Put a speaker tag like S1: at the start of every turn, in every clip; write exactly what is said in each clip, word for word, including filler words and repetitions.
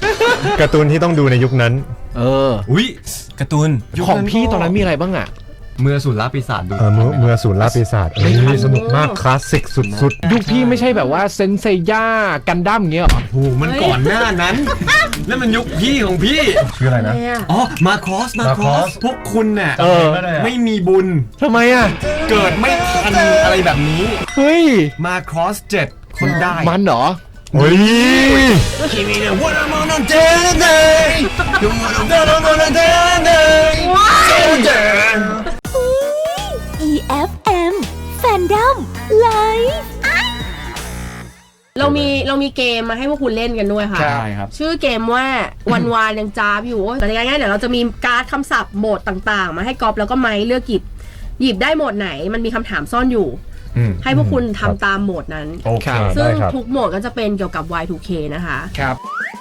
S1: การ์ตูนที่ต้องดูในยุคนั้น
S2: เออ
S3: อุ้ยการ์ตูน
S2: ของพี่ตอนนั้นมีอะไรบ้างอ่ะ
S3: เมื่อสูรล่าปีศาจดู
S1: เออเมื่อเมื่อสูรล่าปีศาจเฮ้ยสนุกมากคลาสสิกสุด
S2: ๆยุคพี่ไม่ใช่แบบว่าเซนเซย่ากันดั้มเงี้ยหรอ
S3: โอ้มันก่อนหน้านั้นนั่นมันยุคพี่ของพี่
S1: ชื่ออะไรนะ
S3: อ๋อมาคอสมาคอสพวกคุณเนี่ยไม่มีบุญ
S2: ทำไมอ่ะ
S3: เกิดไม่ทันอะไรแบบนี้
S2: เฮ้ย
S3: มาคอสเจ็ดคนได้
S2: มันเหรอ
S1: เฮ้ย
S3: 君の What I'm on a day You wanna go on a day
S4: อี เอฟ เอ็ม Fandom Live
S5: เรามีเรามีเกมมาให้พวกคุณเล่นกันด้วยค่ะ
S3: ใช่ครับ
S5: ชื่อเกมว่าวันวานยังจ้าบอยู่แต่ยังไงเดี๋ยวเราจะมีการ์ดคำศัพท์โหมดต่างๆมาให้กอล์ฟแล้วก็ไม้เลือกหยิบหยิบได้โหมดไหนมันมีคำถามซ่อนอยู่ให้พวกคุณทำตามโหมดนั้น
S1: โอเค
S5: ซึ่งทุกโหมดก็จะเป็นเกี่ยวกับ วาย ทู เค นะคะ
S2: ครับ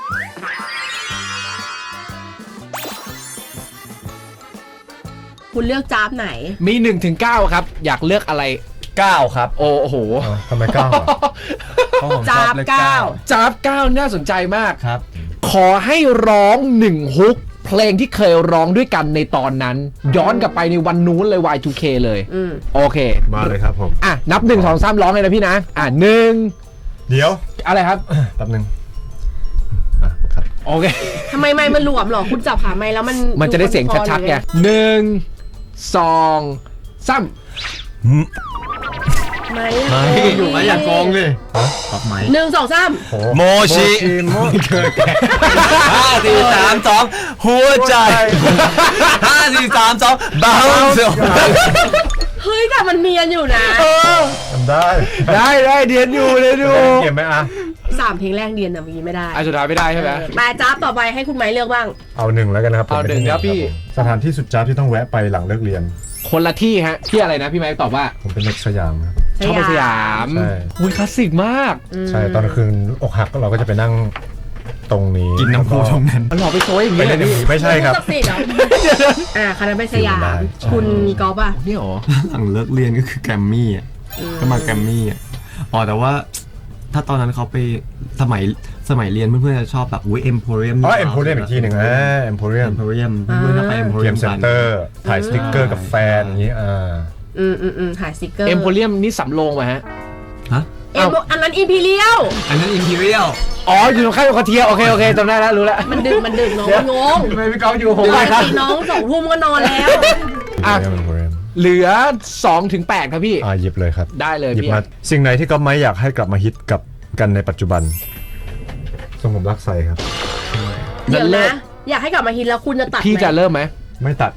S5: คุณเลือกจ้าบไหน
S2: มีหนึ่งถึงเก้าครับอยากเลือกอะไร
S3: เก้าครับ
S2: โอ้โห
S1: ทำไมเก้า
S5: จ้าบเก้า
S2: จ้าบเก้าน่าสนใจมาก
S3: ครับ
S2: ขอให้ร้องหนึ่งฮุกเพลงที่เคยร้องด้วยกันในตอนนั้นย้อนกลับไปในวันนู้นเลย วาย ทู เค เลยโอเค
S1: มาเลยครับผม
S2: อ่ะนับหนึ่งสองสามร้องเลยนะพี่นะอ่ะหนึ่ง
S1: เดี๋ยว
S2: อะไรครับ
S1: แป๊บนึงอ่ะครับ
S2: โอเค
S5: ทำไมไม่มันหลวมหรอคุณจับหาไม้แล้วมัน
S2: มันจะได้เสียงชัดๆไงหนึ่งสองสาม
S5: ไม่
S3: ไม่อยู่ไม่อยากกองเลยปับไม้
S5: หนึ่งสองสาม
S3: โมชิห้าสี่สามสองหัวใจห้าสี่สามสองบ้า
S5: เฮ้ยแต่มันเนียนอยู่นะ
S1: ทำได้
S2: ได้ได้เดียนอยู่เลยดู
S1: เก็บไหมอ่ะ
S5: สามเพลงแรกเดียนแต่เมื่อกี้ไม่ได้
S2: อ่ะสุดท้ายไม่ได้ใช่ไหม
S5: มาจ้าบต่อไปให้คุณไม้เลือกบ้าง
S1: เอาหนึ่งแล้วกันครับ
S2: เอาหนึ่งครับพี่
S1: สถานที่สุดจ้าบที่ต้องแวะไปหลังเลิกเรียน
S2: คนละที่ฮะที่อะไรนะพี่ไม้ตอบว่า
S1: ผมเป็นเด็กสยามครับ
S2: ชอบไปสยาม
S1: ใช่
S2: อุ้ยคลาสสิกมาก
S1: ใช่ตอนคืนอกหักเราก็จะไปนั่งตรงนี้
S3: กินน้ำพุตรงนั้น
S2: มันหลอกไปโซ่อย่างนี้เลยพี่
S1: ไม่ใช่ครับ
S5: อ่าคณะไปสยามคุณกอล์ฟอ่ะ
S2: นี่หรอ
S3: หลังเลิกเรียนก็คือแกรมมี่อ่ะก็มาแกรมมี่อ่ะอ๋อแต่ว่าถ้าตอนนั้นเขาไปสมัยสมัยเรียนเพื่อนๆจะชอบแบบอุ้ยเอ็มโพเรียม
S1: อ๋อเอ็มโพเรียมอีกทีหนึ่งอ่าเอ็มโพเรียม
S3: เอ็มโพเรียมเพื่อนๆจะไปเอ็มโพเรียม
S1: เซ็นเตอร์ถ่ายสติ๊กเกอร์กับแฟนอย่างนี้อ่า
S5: อืมอืมอืมถ่ายสติ๊กเกอร์
S2: เอ็มโพเรียมนี่สำโรงป่ะฮะ
S3: ฮะ
S5: เอ็มอันนั้นอิมพีเรียล
S3: อันนั้นอิมพีเรียล
S2: อ๋ออยู่ตรงข้ามกับเทียโอเคโอเคจำได้แล้วรู้แล้ว
S5: มันดึกมันดึกน้องงง
S3: ทำไมพี่ก๊อฟอยู่ผม
S5: ปกติน้องสองทุ่มก็นอนแล้ว
S2: อ่ะเหลือสองถึงแปดครับพี่
S1: อ่าหยิบเลยครับ
S2: ได้เลยพี่
S1: สิ่งไหนที่ก๊อฟไม่อยากให้กลับมาฮิตกับกันในปัจจุบันทรงผมรักใส่ครับ
S5: เดี๋ยวนะอยากให้กลับมาฮิตแล้วคุณจะตัด
S2: พี่จะเริ่มไหม
S1: ไม่ตัด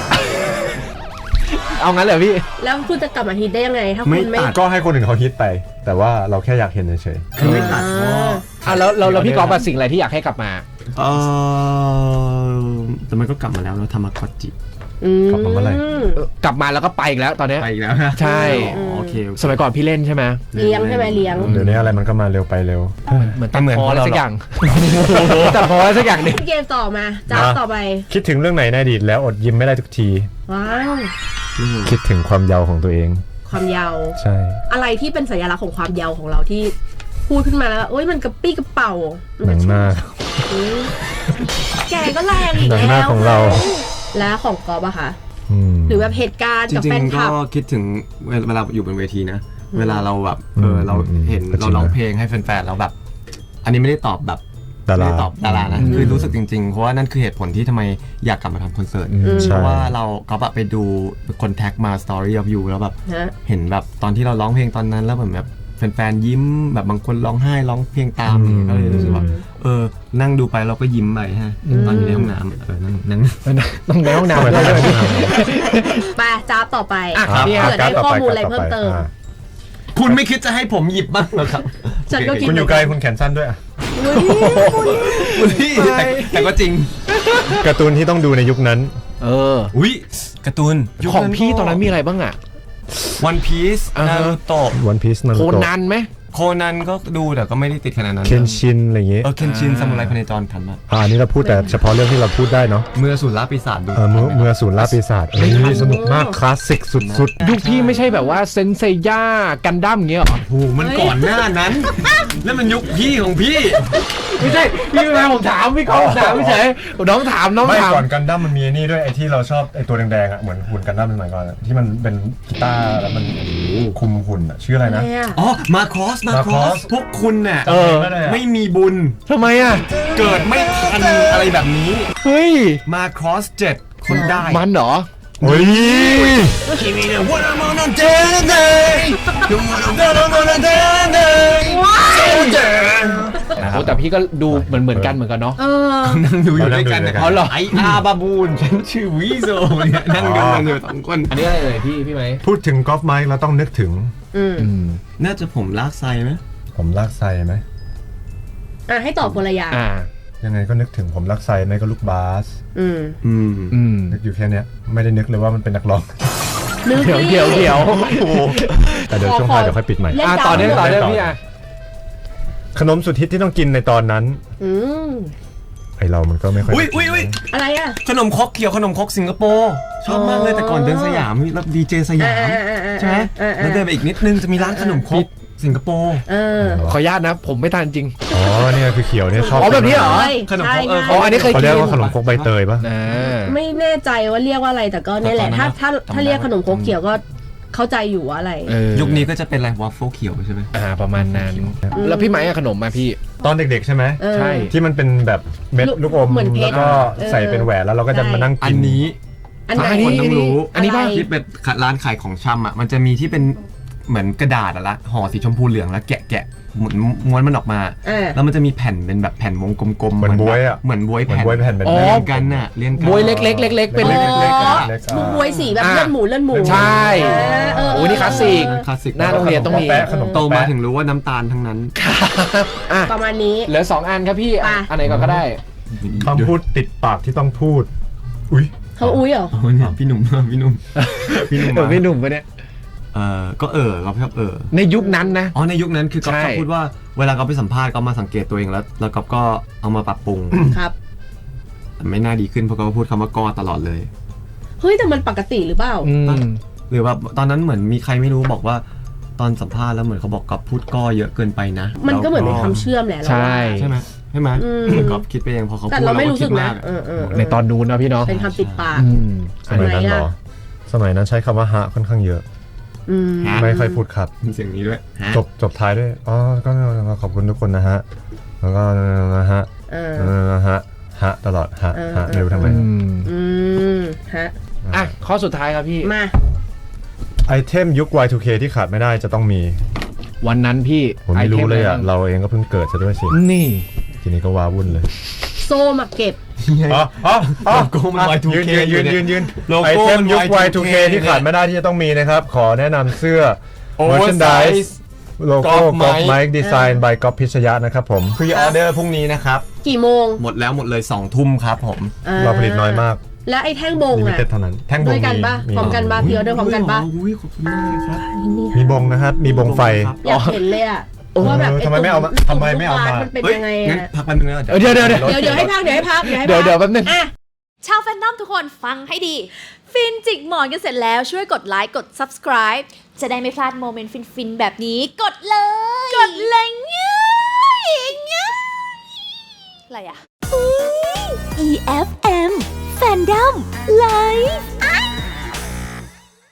S2: เอางั้นเลยพี่
S5: แล้วคุณจะกลับมาฮิตได้ยังไงถ้าคุณไม่
S1: ก็ให้คนอื่นเขาฮิตไปแต่ว่าเราแค่อยากเห็นเฉย
S3: ๆคือไม่ตัด
S2: อ่ะแล้วเราพี่กอล์ฟสิ่งอะไรที่อยากให้กลับมา
S3: เออแต่มันก็กลับมาแล้วเราทำมาคอจิ
S1: กลับมาเมื่อไหร่
S2: กลับมาแล้วก็ไปอีกแล้วตอนนี้
S3: ไปอีกแล้วนะ
S2: ใช่
S3: โอเค
S2: สมัยก่อนพี่เล่นใช่ไหม
S5: เลี้ยงใช่ไหมเลี้ยง
S1: เดี๋ยวนี้อะไรมันก็มาเร็วไปเร็ว
S2: เหมือนตัดพออะไรสักอย่างตัดพออะไรสักอย่างนึง
S5: เกมต่อมาจ้าต่อไป
S1: คิดถึงเรื่องไหนในอดีตแล้วอดยิ้มไม่ได้ทุกที
S5: ว้าว
S1: คิดถึงความเยาว์ของตัวเอง
S5: ความเยาว์
S1: ใช่
S5: อะไรที่เป็นสัญลักษณ์ของความเยาว์ของเราที่พูดขึ้นมาแล้วโอ๊ยมันกระปี้กระเป๋า
S1: หนังหน้า
S5: แกก็แรงอีกแล้ว
S1: หนังหน้าของเรา
S5: แล้วของกอล์ฟอะคะหรือแบบเหตุการณ์กับแฟนคลับ
S3: ก็คิดถึงเวลาอยู่บนเวทีนะเวลาเราแบบเออเราเห็นเราร้องเพลงให้แฟนๆแล้วแบบอันนี้ไม่ได้ตอบแบบไม่ได้ตอบดารานะคือรู้สึกจริงๆเพราะว่านั่นคือเหตุผลที่ทำไมอยากกลับมาทำคอนเสิร์ตเพราะว่าเราก็แบบไปดูคนแท็กมา Story of You แล้วแบบเห็นแบบตอนที่เราร้องเพลงตอนนั้นแล้วเหมือนแบบแฟนๆยิ้มแบบบางคนร้องไห้ร้องเพลงตามก็เลยรู้สึกว่าเออนั่งดูไปเราก็ยิ้มไปฮะตอนอยู่ในห้องน้ำเออนั่งนั่ง
S2: ต้องในห้องน้ำเลย
S5: ไปจ้าต่อไปเผื่อได้ข้อมูลอะไรเพิ่มเติม
S3: คุณไม่คิดจะให้ผมหยิบบ้างเหรอครับ
S1: คุณอยู่ไกลคุณแขนสั้นด้วยอ่ะ
S3: แต่ก็จริง
S1: การ์ตูนที่ต้องดูในยุคนั้น
S2: เออ
S3: อุ้ยการ์ตูน
S2: ของพี่ตอนนั้นมีอะไรบ้างอ่ะ
S3: วันพีซนารูโตะ
S1: วันพีซนารูโตะ
S2: โคนันไหม
S3: โคนันก็ดูแต่ก็ไม่ได้ติดขนาดนั้น
S1: เคนชินอะไรอย่างเงี้ย
S3: เออเคนชินซามูไรพเนจรทันมาก
S1: อ่านี่เราพูดแต่เฉพาะเรื่องที่เราพูดได้เนาะ
S3: เมื่อสูรล่าปีศาจดู
S1: เออเมื่อเมื่อสูรล่าปีศาจเฮ้ยสนุกมากคลาสสิกสุด
S2: ๆยุคพี่ไม่ใช่แบบว่าเซนเซย่ากันดั้มเงี้ยหรอ
S3: โอ้มันก่อนหน้านั้นนั่นมันยุคพี่ของพี่
S2: ไม่ใช่พี่ไม่มาผมถามพี่ก๊อฟถามไม่ใช่น้องถามน้อง
S1: ไม่
S2: ถาม
S1: ก่อนกันดั้มมันมีไอ้นี่ด้วยไอ้ที่เราชอบไอ้ตัวแดงๆอ่ะเหมือนหุ่นกันดั้มสมัยก่อนอะที่มันเป็นกีตาร์แล้วมันคุมหุ่นอ่ะชื่ออะไรนะ
S5: เนี่ย
S3: อ๋อมาคอสมาคอ
S1: Macross
S3: สพวกคุณเนี่ย
S2: เออ
S3: ไม่มีบุญ
S2: ทำไมอ่ะ
S3: เกิดไม่ทันอะไรแบบนี้
S2: เฮ้ย
S3: มาคอสเจ็ดคนได้
S2: มันเหรอ
S1: เฮ้ย
S3: 君のwhat I'm on a day you wanna day day
S2: โอ้แต่พี่ก็ดูเหมือนเหมือนกันเหมือนกันเนาะ
S5: เออ
S3: นั่งดูอยู่ด้วยกัน
S1: เรานั่งดูด้วยกัน
S3: เขาหรอไออาบาบูนฉันชื่อวีโซเนี่ยนั่งดูกันอยู่สองคน
S2: อันนี้อะไรเอ่ยพี่พี่ไหม
S1: พูดถึงกอล์ฟไมค์เราต้องนึกถึง
S5: อืม
S2: อืม
S3: น่าจะผมลากไซไหม
S1: ผมลากไซไหม
S5: อ่ะให้ตอบคนละอย่าง
S2: อ่า
S1: ยังไงก็นึกถึงผมลากไซไม่ก็ลูกบาส
S5: อืม
S3: อืม
S2: อืม
S1: นึกอยู่แค่เนี้ยไม่ได้นึกเลยว่ามันเป็นนักร้อง
S5: นึก
S2: เดี๋ยวเดี๋ยวเดี๋ยว
S1: แต่เดี๋ยวช่วงท้ายเดี๋ยวค่อยปิดใหม่
S5: เล่น
S2: อ่ะ
S5: ดาว
S2: ต่อเนื่องต่อเนื่อง
S1: ต่อ
S2: พี่อ่ะ
S1: ขนมสุดฮิตที่ต้องกินในตอนนั้น
S5: อืม
S1: ไอเรามันก็ไม่ค่อย
S3: อุ้ยอุ้ยอุ้ย
S5: อะไรอ่ะ
S3: ขนมครกเขียวขนมครกสิงคโปร์ชอบมากเลยแต่ก่อนเดินสยามแล้วดีเจสยาม
S5: อ่าอ่าอ่า
S3: ใช่ไหม
S5: อ่าอ่า
S3: แล้วเดินไปอีกนิดนึงจะมีร้านขนมครกสิงคโปร์
S5: เออ
S2: ขออนุญาตนะ ผมไม่ทานจริง
S1: อ๋อเนี่ยคือเขียวเนี่ยชอบ
S2: อ๋อแบบนี้เหรอ
S5: ใช่
S3: ขนมครกเออ
S5: ใช่
S2: อ๋ออันนี้เคย
S1: เขา
S2: กิน
S1: เรียกว่าขนมครกใบเตยปะ
S2: อ่า
S5: ไม่แน่ใจว่าเรียกว่าอะไรแต่ก็เนี่ยแหละ ถ้าถ้าถ้าเรียกขนมโคกเขียวก็เข้าใจอยู่ว่าอะไร
S2: เออ
S3: ยุคนี้ก็จะเป็นอะไรวอฟเฟิลเขียวใช่ไหม
S2: อ่าประมาณนั้น แล้วพี่ไหมอะขนมมาพี่
S1: ตอนเด็กๆใช่ไหม
S5: เออ
S2: ใช่
S1: ที่มันเป็นแบบเม็ด
S5: ลูก
S1: ลูกอม
S5: เหมือนเพชร
S1: แล้วก็ใส่เป็นแหวนแล้วเราก็จะ
S5: ใช่
S1: มานั่ง
S3: อั
S1: กิ
S3: น
S1: น
S3: นี้
S5: อันไหน
S2: อันนี้
S3: คนต้องรู้
S2: อันนี้ป่ะ
S5: อะไร
S3: ที่เป็นร้านขายของชำอ่ะมันจะมีที่เป็นเหมือนกระดาษอะละห่อสีชมพูเหลืองแล้วแกะแกะหมุนม้วนมันออกมา
S5: เออ
S3: แล้วมันจะมีแผ่นเป็นแบบแผ่นวงกลมๆ
S1: เหมือนบ๊วยอะ
S3: เหมือนบวย
S1: เหมือน
S3: แผ่น
S1: บ๊วยแผ่นเป็น
S2: อ๋อ
S1: แม่
S3: เรียนกันน่ะเรียนกัน
S2: บวยเล็กๆเล็กๆเป็น
S5: อ๋
S1: เล็กๆ
S5: อ
S1: เล็กๆ
S5: บุกบวยสีแบบ
S2: อ่า
S5: เลื่อนหมูเลื่อนหมู
S2: ใช่
S5: เออเออ
S2: โอ้นี่คลาสสิก
S3: คลาสสิก
S2: หน้าโรงเรียนต้องมี
S1: แปะขนม
S3: โตมา
S1: แปะ
S3: ถึงรู้ว่าน้ำตาลทั้งนั้น
S2: อ่ะ
S5: ประมาณนี้
S2: เหลือสองอันครับพี่อ่ะ
S5: ไป
S2: อันไหนก่อนก็ได้
S1: คำพูดติดปากที่ต้องพูด อุ้ย
S5: เขาอุ้ยเหรอ
S3: โอ้เนี่ยพี่หนุ่ม พี่หนุ่มพี่หนุ่ม
S2: เออพี่หนุ่มปะเนี่ย
S3: เออก็เออเราชอบเออ
S2: ในยุคนั้นนะ
S3: อ๋อในยุคนั้นคือก๊อฟ
S2: ใช่
S3: ชอบพูดว่าเวลาก๊อฟไปสัมภาษณ์ก๊อฟมาสังเกตตัวเองแล้ว แล้วก๊อฟก็เอามาปรับปรุง
S5: ครับ
S3: แต่ไม่น่าดีขึ้นเพราะก๊อฟพูดคำว่าก็ตลอดเลย
S5: เฮ้ยแต่มันปกติหรือเปล่า
S2: อืม
S3: หรือว่าตอนนั้นเหมือนมีใครไม่รู้บอกว่าตอนสัมภาษณ์แล้วเหมือนเขาบอกก๊อฟพูดก็เยอะเกินไปนะ
S5: มันก็เหมือน
S3: แล้ว
S5: เป็นคำเชื่อมแหละเรา
S2: ใช่
S5: ว่า
S3: ใช่ไหมใช่ไหม
S5: อืม
S3: ก๊อฟคิดไปเองพอเขา
S5: แต่
S3: พูด
S5: เราไม่
S3: ก็
S5: รู้สึ
S3: คิ
S5: ก
S3: ด
S5: นะ
S3: มาก
S5: เออเออเออ
S2: ในตอนนู้นนะพี่เนาะ
S5: เป็นคำติดปาก
S2: อืม
S1: สมัยนั้นเหรอ
S5: ทำไมอะ
S1: สมัยนั้นใช้คำว่าฮะค่อนข้างเยอะ
S5: อืม
S1: ไม่ค่อยพูดครับ
S3: มีเสียงนี้ด้วยฮะ
S1: จบจบท้ายด้วย อ๋อ ก็ขอบคุณทุกคนนะฮะ แล้วก็นะฮะ
S5: เออ
S1: นะฮะ ฮะตลอด ฮะ
S5: เออ
S1: ฮะไม่รู้ทำไม
S2: อืม
S5: อืมฮะ
S2: อ่ะข้อสุดท้ายครับพี่
S5: มา
S1: ไอเทมยุค วาย ทู เค ที่ขาดไม่ได้จะต้องมี
S2: วันนั้นพี่
S1: ผมไม่รู้เลยอ่ะ
S2: ไทม
S1: เราเองก็เพิ่งเกิดซะด้วยสิ
S2: นี่
S1: ทีนี้ก็ว้าวุ่นเลย
S5: โซ่มาเก็บ
S1: อ๋ออ๋ออ๋อ
S3: โลโก้มัน วาย ทู
S1: ยืน
S3: เค
S1: ยืนยืนยืนยืน
S3: โลโก้
S1: ไอเทมยุค
S3: มัน
S1: วาย ทู เค
S3: วาย ทูเค
S1: ที่ขาดไม่ได้ที่จะต้องมีนะครับ ขอแนะนำเสื้อ
S3: Oversize
S1: merchandise โลโก้
S3: Golf
S1: กอล์ฟ
S3: Mike
S1: ไมค์ดีไซน์ by ก๊อฟพิชยะนะครับผม
S3: พรีออเดอร์พรุ่งนี้นะครับ
S5: กี่โมง
S3: หมดแล้วหมดเลยสองทุ่มครับผม
S1: เราผลิตน้อยมาก
S5: และไอ้แท่งบง
S1: ลิมิ
S5: อ่ะ
S1: เต็ดเท่านั้น แท่งบง
S5: ด้วยกันปะ
S1: มี
S5: พร้อมกันปะ
S1: มี
S5: พี่ออเดอร์พร้อมกันปะ
S3: อุ้ยขอบคุณมากเลยครับ
S1: มีบงนะครับ มีบงไฟ
S5: อยากเห็นเลยอ่ะ
S1: เออ
S5: ว่าแบบ
S1: ทำไมไม่เอามาทำไมไม่เอามา
S5: นเป็น
S3: เฮ้ย
S5: ยังไง
S3: งั้น
S5: อะ
S3: พักแป๊บนึงนะ
S2: เออเดี๋ยวเดี๋ยวเดี๋ยว
S5: เดี๋ยวเดี๋ยวให้พักเดี๋ยวให้พักเดี๋ยวให้พัก
S2: เดี๋ยวเดี๋ยวแป๊บนึง
S5: อ่ะ
S4: ชาวแฟนดอมทุกคนฟังให้ดี ฟินจิกหมอนกันเสร็จแล้วช่วยกดไลค์กด subscribe จะได้ไม่พลาดโมเมนต์ฟินๆแบบนี้ กดเลย กดเลยง่ายง่ายอะไรอะ
S2: อ
S4: อี เอฟ เอ็ม Fandom Live